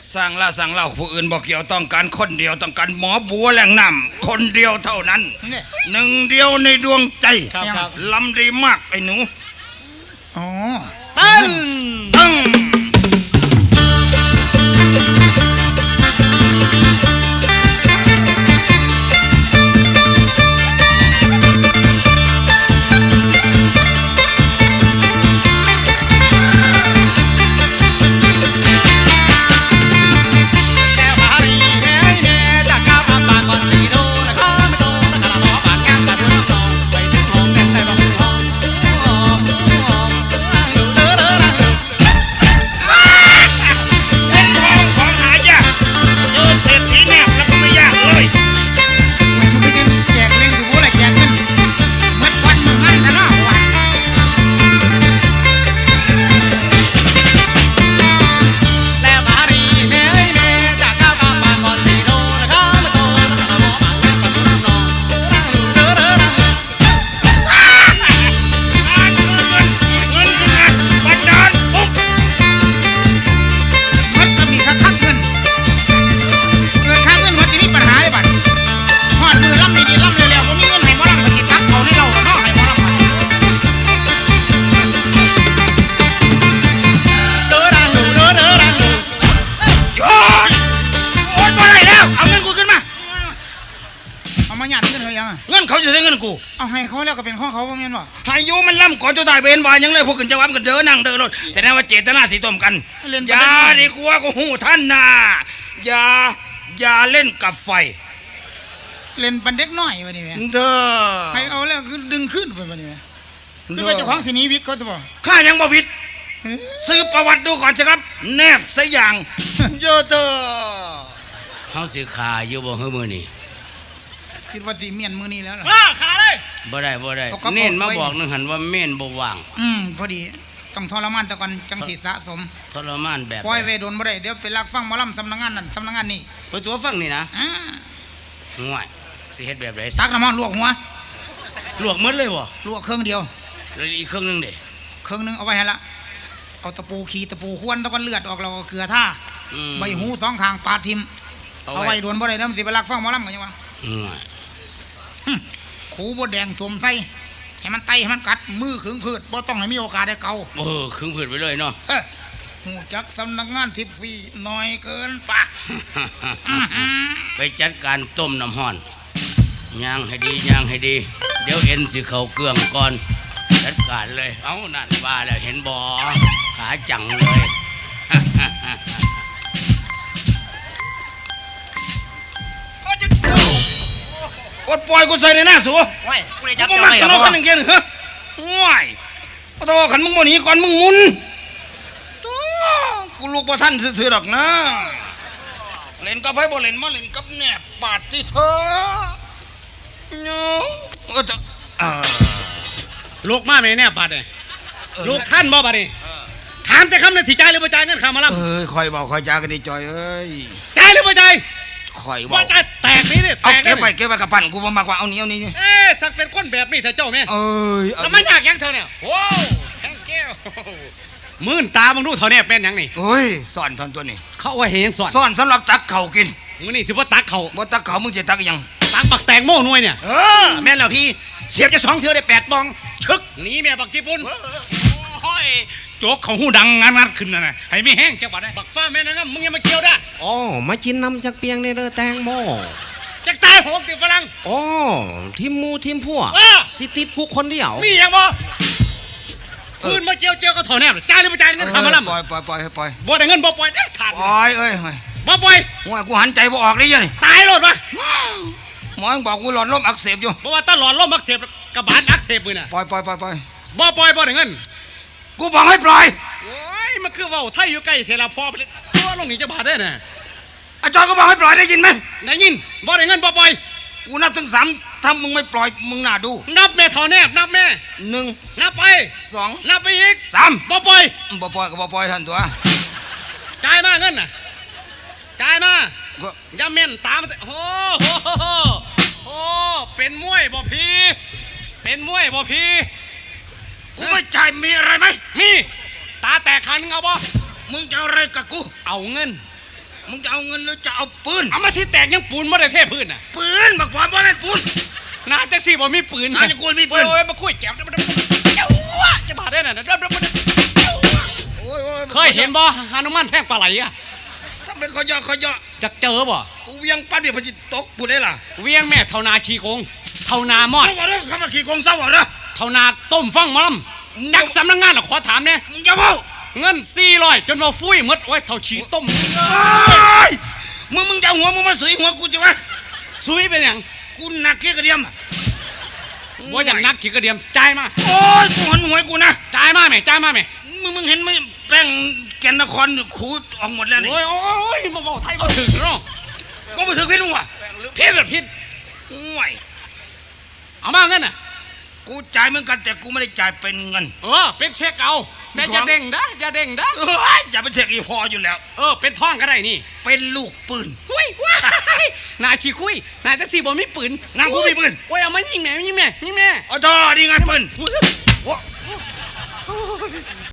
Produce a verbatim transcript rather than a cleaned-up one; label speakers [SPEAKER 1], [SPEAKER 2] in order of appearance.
[SPEAKER 1] สั่งล่าสั่งเล่าผู้อื่นบอกเกี่ยวต้องการคนเดียวต้องการหมอบัวแหล่งน้ำคนเดียวเท่านั้นหนึ่งเดียวในดวงใจลำดีมากไอ้หนู
[SPEAKER 2] อ๋อ
[SPEAKER 1] ตั้งตั้ง
[SPEAKER 2] เอาให้เขาแล้วก็เป็นข้อเขาว่าแม่นบ่
[SPEAKER 1] ให้ยูมันล่ำก่อนจะตายเบนวายังเลยพวกขึ้นจะวับกันเดินนั่งเดินรถแต่นั่นว่าเจตนาสีต้มกันอย่าดีกว่าก็หูท่านนะอย่าอย่าเล่นกับไฟ
[SPEAKER 2] เล่นปันเด็กน้อยวันนี้แม่
[SPEAKER 1] เด้อ
[SPEAKER 2] ให้เอาแล้วคือดึงขึ้นไปวันนี้คือว่าเจ้าของสินีวิทย์เขาจะบอก
[SPEAKER 1] ข้ายังบ่วิทย์ซื้อประวัติดูก่อนสิครับแนบซะอย่างเยอะเด้อ
[SPEAKER 3] เฮาสิขาอยู่บ่ฮื้อมื้อนี้
[SPEAKER 2] คิดว่าสิเมียนมือนี้แล้ว
[SPEAKER 1] ล่ะขาเลย
[SPEAKER 3] บ่ได้บ่ได้เน้นมาบอกนึงหันว่าเม่นบ่ว่าง
[SPEAKER 2] อืมพอดีต้องทรมานตะก่อนจังสิสะสม
[SPEAKER 3] ทรมานแบบ
[SPEAKER 2] ปล่อยไว้โดนบ่ได้เดี๋ยวไปลักฟังหมอลำสำนักงานนั่นสำนักงานนี่
[SPEAKER 3] ไปตัวฟังนี่นะ
[SPEAKER 2] อ่า
[SPEAKER 3] ห่วยสิเฮ็ดแบบไหน
[SPEAKER 2] ตักน้ำมันลวกหัว
[SPEAKER 3] ลวกหมดเลยบ่
[SPEAKER 2] ลวกเครื่องเดียว
[SPEAKER 3] แล้วอีกเครื่องนึงเด้
[SPEAKER 2] เครื่องนึงเอาไว้ให้ละเอาตะปูขีตะปูควนตะก่อนเลือดออกแล้วก็เกลือท่าใบหูสองข้างปาดทิ่มเอาไว้โดนบ่ได้เด้อมันสิไปลักฟังหมอลำกันจังวะขูบดแดงสวมไส้ให้มันไตให้มันกัดมือขึงผืดบ่ต้องให้มีโอกาสได้เกา
[SPEAKER 3] เออขึงผืดไปเลยเนาะ
[SPEAKER 2] หูจักสำนักงานทิพย์ฟรีน้อยเกินปะ
[SPEAKER 3] ไปจัดการต้มน้ำห้อนย่างให้ดีย่างให้ดีเดี๋ยวเอ็นสิเข้าเกลืองก่อนจัดการเลยเอ้านั่นว่าแล้วเห็นบ่ขาจังเลย
[SPEAKER 1] กดปล่อยกูใส่ในหน้าสัว
[SPEAKER 3] ว้ายกูได้จับ
[SPEAKER 1] ได้เหรอกันหนึ่งเกณฑ์เหรอว้ายโอ้โหขันมึงบ่หนีก่อนมึงมุนตัวกูลูกบ่ท่านซื่อๆดอกนะเล่นกับไพ่บ่เล่นมาเล่นกับแหนบบาดที่เธอเนาะก็จะ
[SPEAKER 4] ลูกมาไม่แน่บาดเลยลูกท่านบ่บาดนี่ถามจะคำนั้นสิใจหรือบ่ใจเงินข้ามารับ
[SPEAKER 1] เอ้ยคอยบอกคอยจากันดีจอยเอ้ย
[SPEAKER 4] ใจหรือบ่ใจ
[SPEAKER 1] คอย
[SPEAKER 4] ว่าจะแตกนี่เนี่ย
[SPEAKER 1] แตกเก็บไปเก็บไปกับปั่นกูมามากกว่าเอานี้เอานี้
[SPEAKER 4] เอ๊ะสักเป็นคนแบบนี้เธอเจ้าแม่
[SPEAKER 1] เอ้ย
[SPEAKER 4] แล้วมันยากยังเธอเนี่ยโอ้แข้งแก้วมื่นตาบังดูเธอเนี่ยเป็นยังนี่
[SPEAKER 1] เฮ้ยสอนทอนตัวนี้
[SPEAKER 4] เขาว่าเห็นสอน
[SPEAKER 1] สอนสำหรับตักเข่ากิน
[SPEAKER 4] มึงนี่สิว่าตักเข่า
[SPEAKER 1] ว่าตักเข่ามึงจะตักยัง
[SPEAKER 4] ตักปักแตงโม่หน่วยเนี่ย
[SPEAKER 1] เออแม่นแล้วพี่เสียบจะสองเธอได้แปดบองชึก
[SPEAKER 4] หนีแม่บักญี่ปุ่นโอ้ยโจกเขาหูดังงานงัดขึ้นนะให้ไม่แห้งจังหวัดได้บักฟ้าแม่นะมึงยังมาเกี่ยวได้
[SPEAKER 5] อ๋อมากินน้ำจากเปียงในเรือแตงโม
[SPEAKER 4] จากตายโหงติดฝรั่ง
[SPEAKER 5] อ๋อทีมมูทีมพวกสิติดคุกคนเดียว
[SPEAKER 4] มีอย่างบ่คืนมาเจียวเจียวก็ถอนแนบจ่ายหรือไม่จ่ายเงินข้ามาล่ำ
[SPEAKER 1] ปล่อยปล่อยปล่อยปล่อย
[SPEAKER 4] บ่ได้เงินบ่ปล่อยได้ขาด
[SPEAKER 1] ปล่อยเอ้ย
[SPEAKER 4] บ่ปล่อย
[SPEAKER 1] ว่ากูหันใจบ่ออกเลยยัง
[SPEAKER 4] ตายหลอดวะ
[SPEAKER 1] หมอบอกกูหลอดลมอักเสบอยู่
[SPEAKER 4] บ่ว่าตาหลอดลมอักเสบกระบาดอักเสบมือน่ะ
[SPEAKER 1] ปล่อยปล่อยปล่อยปล่อย
[SPEAKER 4] บ่ปล่อยบ่ได้เงิน
[SPEAKER 1] กูบอกให้ปล่อย
[SPEAKER 4] โอ้ยมันคือว่าไทยอยู่ใกล้เทลาพอไปตัวลงนี่จะบาดได้น่ะ
[SPEAKER 1] อาจารย์ก็บอกให้ปล่อยได้ยินไหม
[SPEAKER 4] ได้ยินบ่ได้เงินบ่ปล่อย
[SPEAKER 1] กูนับถึงสามถ้ามึงไม่ปล่อยมึงน่าดู
[SPEAKER 4] นับแม่ถอนแนบนับแม่
[SPEAKER 1] หนึ่ง
[SPEAKER 4] นับไป
[SPEAKER 1] สอง
[SPEAKER 4] นับไปอีก
[SPEAKER 1] สาม
[SPEAKER 4] บ่ปล่อย
[SPEAKER 1] บ่ปล่อยก็บ่ปล่อยท่านตัว
[SPEAKER 4] จ่ายมาเงินน่ะจ่ายมาอย่าเม่นตามโอ้โหโอ้เป็นมวยบ่พี่เป็นมวยบ่พี่
[SPEAKER 1] กูไม่จ่ายมีอะไรไหม
[SPEAKER 4] มีตาแตกขันเอาบ่
[SPEAKER 1] มึงจะอะไรกับกู
[SPEAKER 4] เอาเงิน
[SPEAKER 1] มึงจะเอาเงินหรือจะเอาปืน
[SPEAKER 4] เอามาสิแตกยังปูนบ่ได้เทพื้นน่ะ
[SPEAKER 1] ปืนบักพร้อมบ่แม่นปืน
[SPEAKER 4] นาจังสี่บ่มีปืน
[SPEAKER 1] น่าจะกูมีปืน
[SPEAKER 4] โอ้ยมาคุยแก้วเจ้าจะบาดได้น่ะเด้อ
[SPEAKER 1] โอ้ยโอ้ย
[SPEAKER 4] เคยเห็นบ่ฮานุมานแท่งปลาไหลอ่ะ
[SPEAKER 1] ถ้าเป็นขอยอขอยอ
[SPEAKER 4] จักเจอบ่
[SPEAKER 1] กูเวียงปัดเดี๋ยวพอจิตกกูได้ล่ะ
[SPEAKER 4] เวียงแม่เท่านาขี้โกงเท่านามอด
[SPEAKER 1] เศร้าบ่เด้อคำว่าขี่กงเศร้าบ่เด้อ
[SPEAKER 4] เท่านาต้มฟังหมอลำจักสำนักงานหรอขอถามเนี่ย
[SPEAKER 1] มึงจะเว้า
[SPEAKER 4] เงินสี่ร้อยจนว่าฟุ้ยหมดโอ้ยเท่าฉีต้ม
[SPEAKER 1] เอ้ยมึงมึงจะเอาหัวมึงมาสุยหัวกูจิวะ
[SPEAKER 4] ซุยเป็นหยัง
[SPEAKER 1] กูหนักเกี้ยกระเดียมอะ
[SPEAKER 4] ว่าอย่างนักขี้กระเดียมจ่ายมา
[SPEAKER 1] โอ้ยกูหันหัวให้กูนะ
[SPEAKER 4] จ่ายมาแม่จ่ายมาแม่
[SPEAKER 1] มึงมึงเห็นไหมแป้งแก่นนครขูดออกหมดแล้วนี่
[SPEAKER 4] โอ้ยโอ้ยมาบอกไทยมาถึงเนาะ
[SPEAKER 1] ก็ไปถึงพี่นุ่งว่ะ
[SPEAKER 4] พิษหรือพิษ
[SPEAKER 1] ห่วย
[SPEAKER 4] เอามาเงินน่ะ
[SPEAKER 1] กูจ่ายเหมือนกันแต่กูไม่ได้จ่ายเป็นเงิน
[SPEAKER 4] เออเป็นเช็คเอาแต่อย่าเด้งนะอย่าเด้งนะ
[SPEAKER 1] เอ้ยอย่าไปเทกอีพออยู่แล้ว
[SPEAKER 4] เออเป็นท่องก็ได้นี่
[SPEAKER 1] เป็นลูกปืน
[SPEAKER 4] คุยว้ายนายชี้คุยนายแท็กซี่บอกมีปืน
[SPEAKER 1] นางกูมีปืน
[SPEAKER 4] โอ้ยเอามายิงแม่ยิงแม่ยิงแม่
[SPEAKER 1] อ๋อทอดีงานปืน
[SPEAKER 4] อุ๊ย